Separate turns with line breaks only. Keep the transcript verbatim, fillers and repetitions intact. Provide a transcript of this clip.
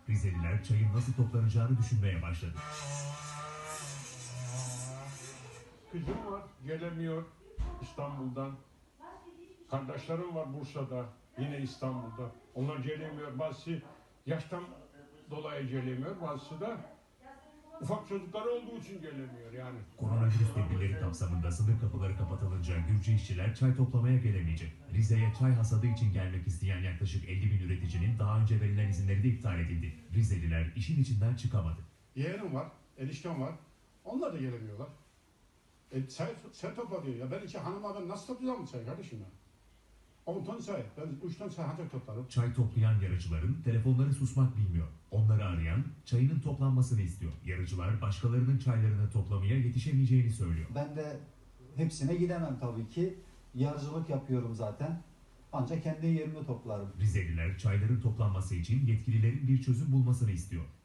Rizeliler çayın nasıl toplanacağını düşünmeye başladı.
Kızım var, gelemiyor İstanbul'dan. Kardeşlerim var Bursa'da, yine İstanbul'da. Onlar gelemiyor. Bazısı yaştan dolayı gelemiyor, bazısı da ufak çocukları olduğu için gelemiyor yani.
Koronavirüs tedbirleri kapsamında sınır kapıları kapatılınca Gürcü işçiler çay toplamaya gelemeyecek. Rize'ye çay hasadı için gelmek isteyen yaklaşık elli bin üreticinin daha önce verilen izinleri de iptal edildi. Rizeliler işin içinden çıkamadı.
Yeğenim var, eniştem var. Onlar da gelemiyorlar. E, çay, çay topla diyor ya. Ben iki hanıma ben nasıl toplayacağım çay kardeşim ya? on ton çay. Ben üç ton çay ancak toplarım.
Çay toplayan yarıcıların telefonları susmak bilmiyor. Onları arayan çayının toplanmasını istiyor. Yarıcılar başkalarının çaylarını toplamaya yetişemeyeceğini söylüyor.
Ben de hepsine gidemem tabii ki. Yarıcılık yapıyorum zaten. Ancak kendi yerimde toplarım.
Rizeliler çayların toplanması için yetkililerin bir çözüm bulmasını istiyor.